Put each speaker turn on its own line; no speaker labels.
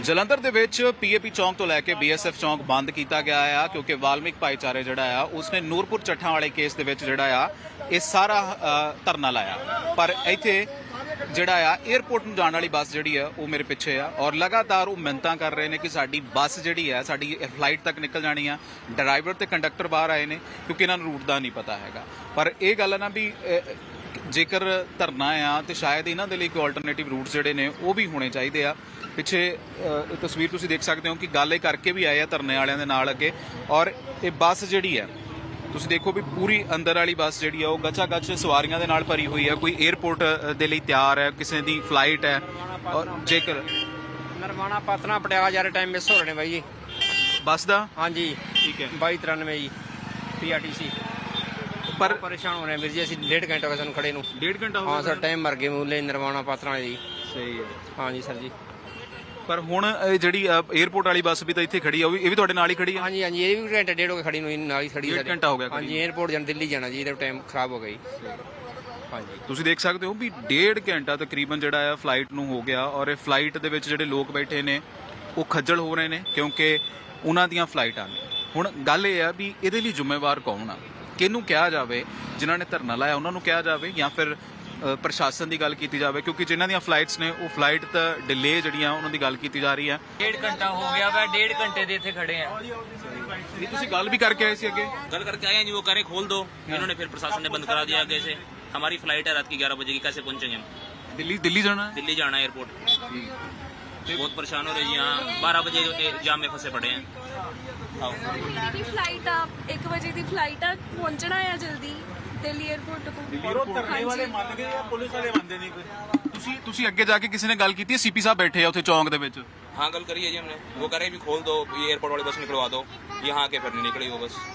ਜਲੰਧਰ ਦੇ ਵਿੱਚ ਪੀਏਪੀ ਚੌਂਕ ਤੋਂ ਲੈ ਕੇ ਬੀਐਸਐਫ ਚੌਂਕ ਬੰਦ ਕੀਤਾ ਗਿਆ ਆ ਕਿਉਂਕਿ ਵਾਲਮੀਕ ਭਾਈਚਾਰੇ ਜਿਹੜਾ ਆ ਉਸਨੇ ਨੂਰਪੁਰ ਚੱਠਾਂ ਵਾਲੇ ਕੇਸ ਦੇ ਵਿੱਚ ਜਿਹੜਾ ਆ ਇਹ ਸਾਰਾ ਧਰਨਾ ਲਾਇਆ। ਪਰ ਇੱਥੇ ਜਿਹੜਾ ਆ 에ਅਰਪੋਰਟ ਨੂੰ ਜਾਣ ਵਾਲੀ ਬੱਸ ਜਿਹੜੀ ਆ ਉਹ ਮੇਰੇ ਪਿੱਛੇ ਆ ਔਰ ਲਗਾਤਾਰ ਉਹ ਮਿੰਨਤਾਂ ਕਰ ਰਹੇ ਨੇ ਕਿ ਸਾਡੀ ਬੱਸ ਜਿਹੜੀ ਆ ਸਾਡੀ ਫਲਾਈਟ ਤੱਕ ਨਿਕਲ ਜਾਣੀ ਆ। ਡਰਾਈਵਰ ਤੇ ਕੰਡਕਟਰ ਬਾਹਰ ਆਏ ਨੇ ਕਿਉਂਕਿ ਇਹਨਾਂ ਨੂੰ ਰੂਟ ਦਾ ਨਹੀਂ ਪਤਾ ਹੈਗਾ। ਪਰ ਇਹ ਗੱਲ ਆ ਨਾ ਵੀ ਜੇਕਰ ਧਰਨਾ ਆ ਤੇ ਸ਼ਾਇਦ ਇਹਨਾਂ ਦੇ ਲਈ ਕੋਈ ਆਲਟਰਨੇਟਿਵ ਰੂਟਸ ਜਿਹੜੇ ਨੇ ਉਹ ਵੀ ਹੋਣੇ ਚਾਹੀਦੇ ਆ। ਪਿੱਛੇ ਤਸਵੀਰ ਤੁਸੀਂ ਦੇਖ ਸਕਦੇ ਹੋ ਕਿ ਗੱਲ ਇਹ ਕਰਕੇ ਵੀ ਆਏ ਆ ਧਰਨੇ ਵਾਲਿਆਂ ਦੇ ਨਾਲ ਅੱਗੇ। ਔਰ ਇਹ ਬੱਸ ਜਿਹੜੀ ਆ ਤੁਸੀਂ ਦੇਖੋ ਵੀ ਪੂਰੀ ਅੰਦਰ ਵਾਲੀ ਬੱਸ ਜਿਹੜੀ ਆ ਉਹ ਗੱਚਾ ਗੱਚ ਸਵਾਰੀਆਂ ਦੇ ਨਾਲ ਭਰੀ ਹੋਈ ਆ। ਕੋਈ 에ਅਰਪੋਰਟ ਦੇ ਲਈ ਤਿਆਰ ਹੈ, ਕਿਸੇ ਦੀ ਫਲਾਈਟ ਹੈ। ਔਰ ਜੇਕਰ
ਨਰਵਾਣਾ ਪਾਤਨਾ ਪਟਿਆਲਾ ਜਾ ਰਹੇ ਟਾਈਮ ਮਿਸ ਹੋ ਰਹੇ ਨੇ ਬਾਈ ਜੀ
ਬੱਸ ਦਾ
ਹਾਂਜੀ
ਠੀਕ ਹੈ
2293 ਜੀ ਪੀਆਰਟੀਸੀ
ਪਰ
ਪਰੇਸ਼ਾਨ ਹੋ ਰਹੇ ਵੀਰ ਜੀ ਅਸੀਂ 1.5 ਘੰਟਾ ਹੋ ਗਿਆ ਸਾਨੂੰ ਖੜੇ ਨੂੰ।
1.5 ਘੰਟਾ ਹੋ
ਹਾਂ
ਗਿਆ
ਸਰ ਟਾਈਮ ਮਰ ਗਏ ਮੂਲੇ ਨਰਵਾਣਾ ਪਾਤਨਾ ਵਾਲੇ ਜੀ।
ਸਹੀ ਹੈ।
ਹਾਂਜੀ ਸਰ ਜੀ
ਪਰ ਹੁਣ ਇਹ ਜਿਹੜੀ 에ਅਰਪੋਰਟ ਵਾਲੀ ਬੱਸ ਵੀ ਤਾਂ ਇੱਥੇ ਖੜੀ ਆ, ਉਹ ਵੀ ਤੁਹਾਡੇ ਨਾਲ ਹੀ ਖੜੀ ਆ।
ਹਾਂਜੀ ਹਾਂਜੀ ਇਹ ਵੀ ਘੰਟਾ ਡੇਢ ਹੋ ਗਿਆ ਖੜੀ ਨੂੰ ਨਾਲ ਹੀ ਖੜੀ
ਡੇਢ ਘੰਟਾ ਹੋ ਗਿਆ ਖੜੀ
ਹਾਂਜੀ 에ਅਰਪੋਰਟ ਜਾਣ ਦਿੱਲੀ ਜਾਣਾ ਜੀ ਇਹਦਾ ਟਾਈਮ ਖਰਾਬ ਹੋ ਗਿਆ ਜੀ। ਹਾਂਜੀ
ਤੁਸੀਂ ਦੇਖ ਸਕਦੇ ਹੋ ਵੀ 1.5 ਘੰਟਾ ਤਕਰੀਬਨ ਜਿਹੜਾ ਆ ਫਲਾਈਟ ਨੂੰ ਹੋ ਗਿਆ ਔਰ ਇਹ ਫਲਾਈਟ ਦੇ ਵਿੱਚ ਜਿਹੜੇ ਲੋਕ ਬੈਠੇ ਨੇ ਉਹ ਖੱਜਲ ਹੋ ਰਹੇ ਨੇ ਕਿਉਂਕਿ ਉਹਨਾਂ ਦੀਆਂ ਫਲਾਈਟਾਂ ਨੇ। ਹੁਣ ਗੱਲ ਇਹ ਆ ਵੀ ਇਹਦੇ ਲਈ ਜ਼ਿੰਮੇਵਾਰ ਕੌਣ ਆ, ਕਿਹਨੂੰ ਕਿਹਾ ਜਾਵੇ? ਜਿਨ੍ਹਾਂ ਨੇ ਧਰਨਾ ਲਾਇਆ ਉਹਨਾਂ ਨੂੰ ਕਿਹਾ ਜਾਵੇ ਜਾਂ ਫਿਰ ਪ੍ਰਸ਼ਾਸਨ ਦੀ ਗੱਲ ਕੀਤੀ ਜਾਵੇ? ਕਿਉਂਕਿ ਜਿਨ੍ਹਾਂ ਦੀਆਂ ਫਲਾਈਟਸ ਨੇ ਉਹ ਫਲਾਈਟ ਤਾਂ ਡਿਲੇ ਜਿਹੜੀਆਂ ਉਹਨਾਂ ਦੀ ਗੱਲ ਕੀਤੀ ਜਾ ਰਹੀ ਹੈ।
1.5 घंटा हो गया वह 1.5 घंटे ਦੇ ਇੱਥੇ ਖੜੇ ਆ।
ਇਹ ਤੁਸੀਂ ਗੱਲ ਵੀ ਕਰਕੇ ਆਏ ਸੀ ਅੱਗੇ?
कल करके आए हैं जी, वो करें खोल दो, इन्होंने फिर प्रशासन ने बंद करा दिया आगे से। हमारी फ्लाइट है रात की 11 बजे की, कैसे पहुंचेंगे हम?
ਦਿੱਲੀ ਜਾਣਾ ਹੈ?
दिल्ली जाना है एयरपोर्ट। बहुत परेशान हो रहे जी, यहाँ 12 बजे जाम में फंसे पड़े हैं। आओ
ਦੀ ਫਲਾਈਟ ਆ 1 ਵਜੇ ਦੀ ਫਲਾਈਟ ਆ, ਪਹੁੰਚਣਾ ਆ ਜਲਦੀ ਦਿੱਲੀ 에ਅਰਪੋਰਟ ਤੋਂ।
ਧਰਨੇ ਵਾਲੇ ਮੰਨ ਗਏ ਆ, ਪੁਲਿਸ ਵਾਲੇ ਮੰਨਦੇ ਨਹੀਂ ਕੋਈ। ਤੁਸੀਂ ਅੱਗੇ ਜਾ ਕੇ ਕਿਸੇ ਨੇ ਗੱਲ ਕੀਤੀ ਹੈ? ਸੀਪੀ ਸਾਹਿਬ ਬੈਠੇ ਆ ਉੱਥੇ ਚੌਂਕ ਦੇ ਵਿੱਚ।
हाँ कल करी है जी हमने, वो करे भी खोल दो, ये एयरपोर्ट वाली बस निकलवा दो। यहाँ आके फिर नहीं निकली वो बस।